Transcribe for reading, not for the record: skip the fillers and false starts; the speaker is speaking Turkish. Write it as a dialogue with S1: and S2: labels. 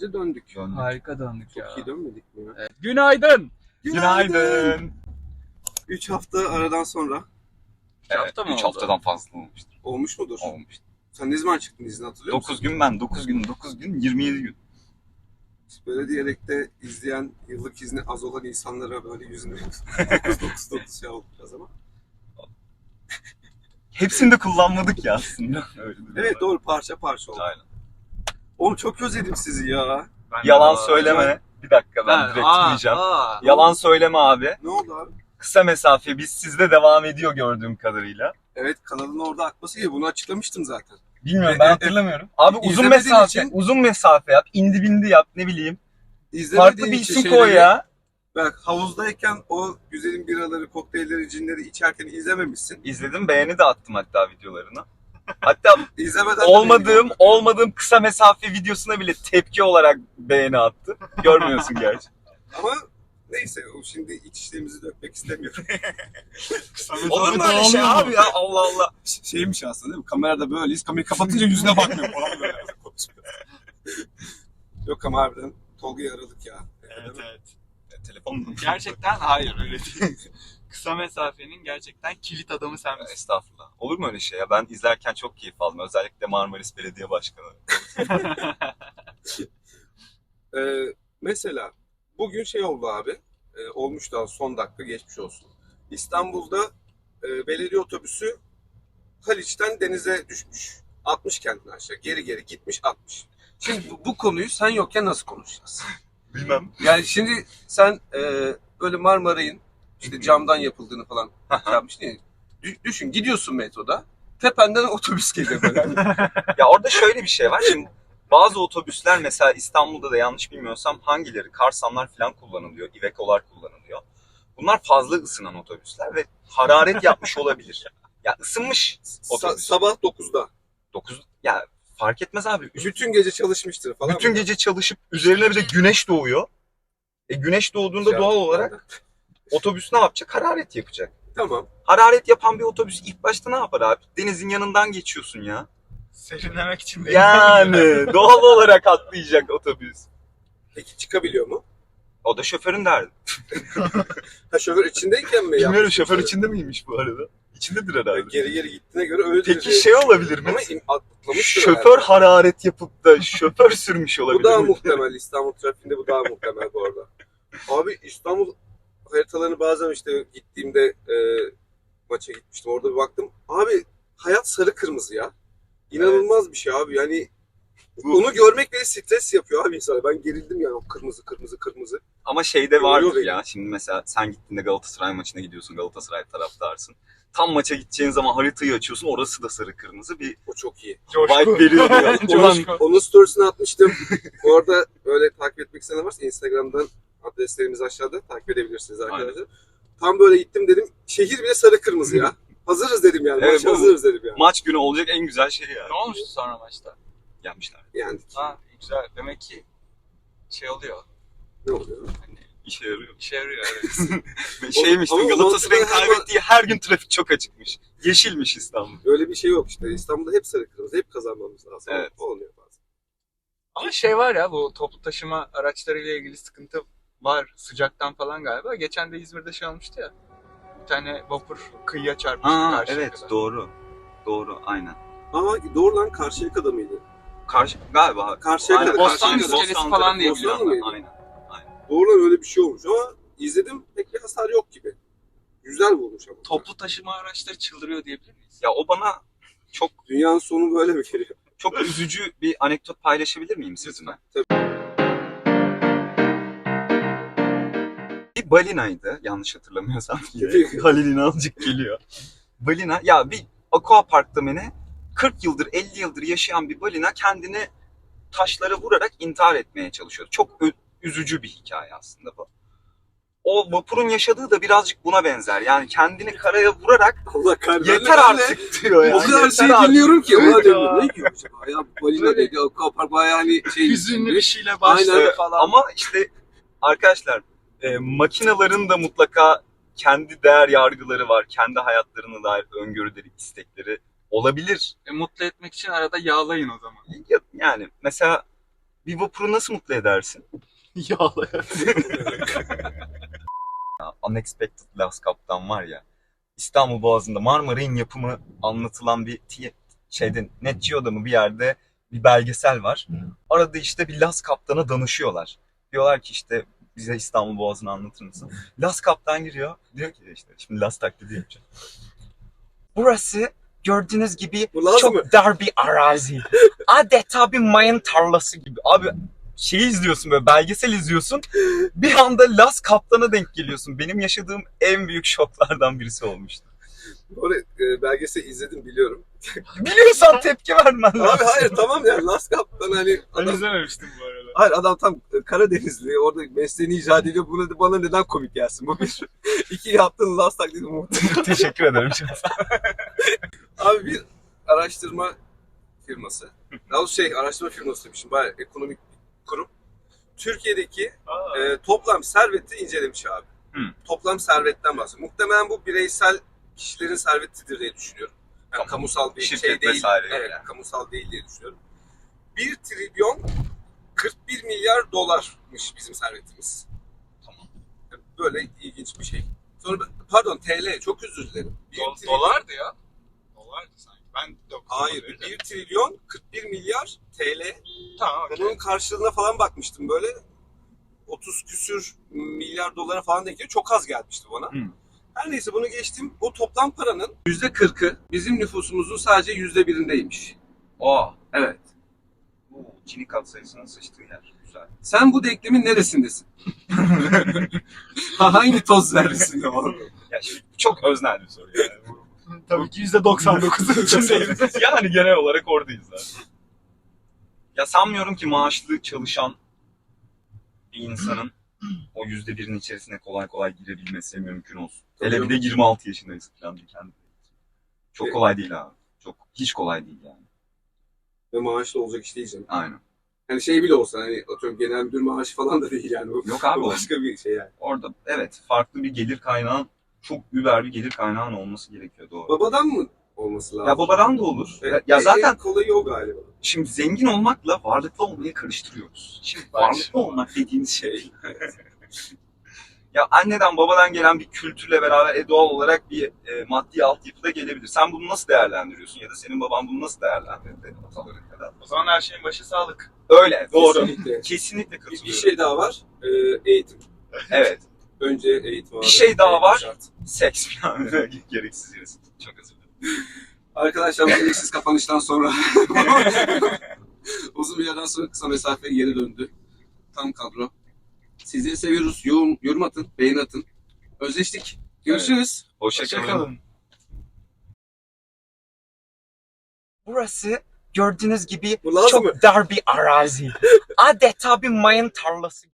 S1: Bence döndük.
S2: Harika döndük
S1: Çok
S2: ya.
S1: iyi dönmedik mi ya?
S2: Evet. Günaydın.
S3: Günaydın.
S1: 3 hafta aradan sonra.
S2: 3 hafta mı
S3: 3
S2: oldu?
S3: haftadan fazla olmuştur.
S1: Olmuş mudur?
S3: Olmuştur.
S1: Sen ne zaman çıktın izne hatırlıyor musun?
S3: 9 gün ben, 9 gün, 27 gün.
S1: Böyle diyerek de izleyen yıllık izni az olan insanlara böyle yüzünü 9 şey oldu biraz ama.
S3: Hepsini de kullanmadık ya aslında. Öyle
S1: Evet doğru parça parça oldu.
S3: Aynen.
S1: Oğlum çok özledim sizi ya.
S3: Yalan söyleme. Bir dakika ben direkt diyeceğim. Yalan söyleme abi.
S1: Ne oldu abi?
S3: Kısa mesafe biz sizde devam ediyor gördüğüm kadarıyla.
S1: Evet kanalın orada akması gibi bunu açıklamıştım zaten.
S3: Bilmiyorum ben hatırlamıyorum. Abi uzun
S1: İzlemediğin
S3: mesafe,
S1: için-
S3: uzun mesafe yap, indi bindi yap ne bileyim.
S1: İzlemediğin
S3: Farklı bir
S1: için
S3: isim
S1: şeyleri-
S3: koy ya.
S1: Bak havuzdayken o güzelim biraları, kokteylleri, cinleri içerken izlememişsin.
S3: İzledim beğeni de attım hatta videolarına. Hatta
S1: İzlemeden de
S3: olmadığım kısa mesafe videosuna bile tepki olarak beğeni attı. Görmüyorsun gerçi.
S1: Ama neyse o şimdi iç işlerimizi dökmek istemiyorum.
S3: Olur mu öyle şey abi ya Allah Allah.
S1: Şeymiş aslında değil mi? Kamerada böyleyiz. Kamerayı kapatınca yüzüne bakmıyor falan böyle. Yok ama harbiden Tolga'yı aradık ya.
S2: Evet evet.
S3: Telefon
S2: Gerçekten hayır öyle değil. Kısa mesafenin gerçekten kilit adamı sen misin?
S3: Estağfurullah. Olur mu öyle şey ya? Ben izlerken çok keyif aldım. Özellikle Marmaris Belediye Başkanı.
S1: Mesela bugün şey oldu abi. Olmuş daha son dakika geçmiş olsun. İstanbul'da belediye otobüsü Haliç'ten denize düşmüş. 60 kentten aşağı. Geri gitmiş 60. Şimdi bu konuyu sen yokken nasıl konuşacağız?
S3: Bilmem.
S1: Yani şimdi sen böyle Marmaray'ın işte camdan yapıldığını falan yapmıştın ya. Düşün gidiyorsun metroda. Tependen otobüs geliyor böyle.
S3: Ya orada şöyle bir şey var. Şimdi bazı otobüsler mesela İstanbul'da da yanlış bilmiyorsam hangileri? Karsamlar falan kullanılıyor. Iveco'lar kullanılıyor. Bunlar fazla ısınan otobüsler ve hararet yapmış olabilir. Ya ısınmış otobüs.
S1: Sabah 9'da.
S3: 9 ya fark etmez abi.
S1: Bütün gece çalışmıştır falan.
S3: Bütün gece çalışıp üzerine bir de güneş doğuyor. Güneş doğduğunda doğal olarak otobüs ne yapacak? Hararet yapacak.
S1: Tamam.
S3: Hararet yapan bir otobüs ilk başta ne yapar abi? Denizin yanından geçiyorsun ya.
S2: Serinlemek için
S3: Yani doğal olarak atlayacak otobüs.
S1: Peki çıkabiliyor mu?
S3: O da şoförün derdi.
S1: Ha şoför içindeyken mi
S3: Bilmiyorum
S1: yapmış
S3: şoför
S1: yoksa?
S3: içinde miymiş bu arada? İçindedir herhalde.
S1: Geri gittiğine göre öyle
S3: Peki şey olabilir mi?
S1: Ama atlamıştır
S3: Şoför
S1: herhalde.
S3: hararet yapıp da şoför sürmüş olabilir
S1: Bu daha
S3: mi?
S1: muhtemel. İstanbul trafiğinde bu daha muhtemel bu arada. Abi İstanbul haritalarını bazen işte gittiğimde maça gitmiştim. Orada bir baktım. Abi hayat sarı kırmızı ya. İnanılmaz bir şey abi. Yani onu görmek bile stres yapıyor abi insana. Ben gerildim yani o kırmızı.
S3: Ama şeyde vardır
S1: Yoruyor
S3: ya. Şimdi mesela sen gittiğinde Galatasaray maçına gidiyorsun. Galatasaray taraftarsın. Tam maça gideceğin zaman haritayı açıyorsun. Orası da sarı kırmızı bir
S1: O çok iyi.
S3: vibe veriyor. Yani.
S1: Onun storiesini atmıştım. Bu arada öyle takip etmek isteyen varsa Instagram'dan adreslerimiz aşağıda takip edebilirsiniz arkadaşlar.
S3: Aynen.
S1: Tam böyle gittim dedim. Şehir bile sarı kırmızı ya. Hazırız dedim yani.
S3: Evet,
S1: Maça hazırız dedim yani.
S3: Maç günü olacak en güzel şey ya.
S2: Ne olmuştu sonra maçta?
S3: Yenmişler.
S1: Yani
S2: Ha güzel. Demek ki şey oluyor.
S1: ne oluyor?
S2: Hani
S3: İşe yarıyor.
S2: işe yarıyor evet.
S3: Şeymiş
S1: Ama
S3: Galatasaray'ın
S1: mantıklı her-
S3: kaybettiği her gün trafik çok açıkmış. Yeşilmiş İstanbul.
S1: Öyle bir şey yok işte. İstanbul'da hep sarı kırmızı. Hep kazanmamız lazım.
S3: Evet.
S1: Olmuyor bazen.
S2: Ama şey var ya bu toplu taşıma araçlarıyla ilgili sıkıntı var sıcaktan falan galiba. Geçen de İzmir'de şey olmuştu ya. Bir tane vapur kıyıya çarpmıştı karşıya
S3: Evet
S2: kadar.
S3: doğru. Doğru aynen.
S1: Ama doğru lan Karşıyaka'da mıydı?
S3: Galiba.
S1: Karşıyaka'da.
S3: Aynen,
S2: Bostanlı
S1: Karşıyaka'da.
S2: iskelesi falan diye
S1: Bostanlı
S2: biliyorum.
S1: mıydı?
S3: Aynen.
S1: Doğru lan öyle bir şey olmuş ama izledim pek bir hasar yok gibi. Güzel bulmuş ama.
S2: Toplu taşıma araçları çıldırıyor diyebilir miyiz?
S3: Ya o bana
S1: Dünyanın sonu böyle mi geliyor?
S3: çok üzücü bir anekdot paylaşabilir miyim sizinle? Bir balinaydı yanlış hatırlamıyorsam. Halil İnalcık geliyor. Balina ya bir aquaparkta mı ne 40 yıldır 50 yıldır yaşayan bir balina kendini taşlara vurarak intihar etmeye çalışıyor. Çok üzücü bir hikaye aslında bu. O vapurun yaşadığı da birazcık buna benzer. Yani kendini karaya vurarak
S1: Allah kahretsin.
S3: yeter artık diyor yani.
S1: O kadar
S3: Yeter
S1: şey
S3: artık.
S1: dinliyorum ki.
S2: Evet
S1: Ulan
S2: ya.
S1: diyorum ne diyor acaba? Ya balina
S2: Böyle-
S1: dedi. Akapar bayağı hani şey.
S2: Hüzünlü bir şeyle başladı
S1: Aynen.
S2: falan.
S3: Ama işte arkadaşlar makinelerin de mutlaka kendi değer yargıları var. Kendi hayatlarına dair öngörüleri, istekleri olabilir.
S2: Mutlu etmek için arada yağlayın o zaman.
S3: Yani mesela Bir vapuru nasıl mutlu edersin?
S2: Yağlayarak.
S3: Ya, Unexpected Last Kaptan var ya. İstanbul Boğazı'nda Marmaray'ın yapımı anlatılan bir şeyde Net Geo'da mı bir yerde bir belgesel var. Arada işte bir Las Kaptan'a danışıyorlar. Diyorlar ki işte bize İstanbul Boğazı'nı anlatır mısın? Las Kaptan giriyor. Diyor ki işte şimdi Las taklidi yapacağım. Burası gördüğünüz gibi
S1: Bu Laz
S3: çok
S1: mı?
S3: dar bir arazi. Adeta bir mayın tarlası gibi. Abi şeyi izliyorsun böyle belgesel izliyorsun. Bir anda Las Kaptan'a denk geliyorsun. Benim yaşadığım en büyük şoklardan birisi olmuştu.
S1: Orada belgesel izledim biliyorum.
S3: Biliyorsan tepki vermen lazım.
S1: Abi hayır tamam ya Last Kaptan hani
S2: Ben
S1: adam,
S2: izlememiştim bu arada.
S1: hayır adam tam Karadenizli orada mesleğini icra ediyor. Bunu bana neden komik gelsin? Bu bir. İki yaptığın Last taklidi muhtemelen.
S3: Teşekkür ederim.
S1: Abi bir araştırma firması. Daha doğrusu araştırma firması demişim. Bayağı ekonomik bir kurum. Türkiye'deki toplam serveti incelemiş abi. Toplam servetten bahsediyor. Muhtemelen bu bireysel kişilerin servetidir diye düşünüyorum. Yani
S3: Tamam.
S1: kamusal bir
S3: Şirket
S1: şey değil.
S3: vesaire
S1: Evet,
S3: yani.
S1: kamusal değil diye düşünüyorum. 1 trilyon 41 milyar dolarmış bizim servetimiz.
S3: Tamam.
S1: Böyle ilginç bir şey. Sonra pardon TL çok özür dilerim. 1 trilyon-
S2: Dolardı ya. Dolardı sanki. Ben de okudum.
S1: Hayır, 1 trilyon 41 milyar TL.
S2: Tamam,
S1: Ben
S2: okey.
S1: onun karşılığına falan bakmıştım böyle. 30 küsür milyar dolara falan denk geliyor. Çok az gelmişti bana. Her neyse bunu geçtim. Bu toplam paranın %40'ı bizim nüfusumuzun sadece %1'indeymiş.
S3: Aa.
S1: Evet.
S3: Bu Gini katsayısının sıçtığı yer. Güzel.
S1: Sen bu denklemin neresindesin? Hangi toz zerresinde var?
S3: Ya şimdi çok öznel bir soru yani.
S2: Tabii ki %99'un içindeyim.
S3: Yani genel olarak oradayız zaten. Ya sanmıyorum ki maaşlı çalışan bir insanın o %1'in içerisine kolay kolay girebilmesi mümkün olsun. Hele bir de 26 yaşındayız falan diye kendi. Çok kolay değil abi. Hiç kolay değil yani.
S1: Ve maaşlı olacak iş değil canım.
S3: Aynen.
S1: Hani şey bile olsa hani atıyorum genel müdür maaşı falan da değil yani. Bu,
S3: Yok abi,
S1: bu başka bir şey yani.
S3: Orada evet farklı bir gelir kaynağın, çok über bir gelir kaynağın olması gerekiyor, doğru.
S1: Babadan mı olması lazım?
S3: Ya babadan da olur.
S1: Evet,
S3: Ya zaten
S1: en kolayı o galiba.
S3: şimdi zengin olmakla varlıklı olmayı karıştırıyoruz. Şimdi varlıklı olmak dediğimiz şey. Ya anneden babadan gelen bir kültürle beraber doğal olarak bir maddi altyapı da gelebilir. Sen bunu nasıl değerlendiriyorsun ya da senin baban bunu nasıl değerlendirdi ataları kadar?
S2: O zaman her şeyin başı sağlık.
S3: Öyle, doğru.
S1: Kesinlikle.
S3: Kesinlikle
S1: Bir
S3: katılıyorum.
S1: şey daha var. Eğitim.
S3: Evet.
S1: Önce eğitim abi.
S3: Bir şey daha
S1: Eğitim
S3: var.
S1: şart.
S3: Seks falan. Gereksiz yere. Çok özür dilerim.
S1: Arkadaşlar bu gereksiz kapanıştan sonra uzun bir yerden sonra kısa mesafeye geri döndü. Tam kadro. Sizleri seviyoruz. Yorum atın, beğeni atın. Özleştik. Görüşürüz.
S3: Hoşçakalın.
S2: Hoşçakalın.
S3: Burası gördüğünüz gibi
S1: Bu Laz
S3: çok
S1: mı?
S3: dar bir arazi. Adeta bir mayın tarlası.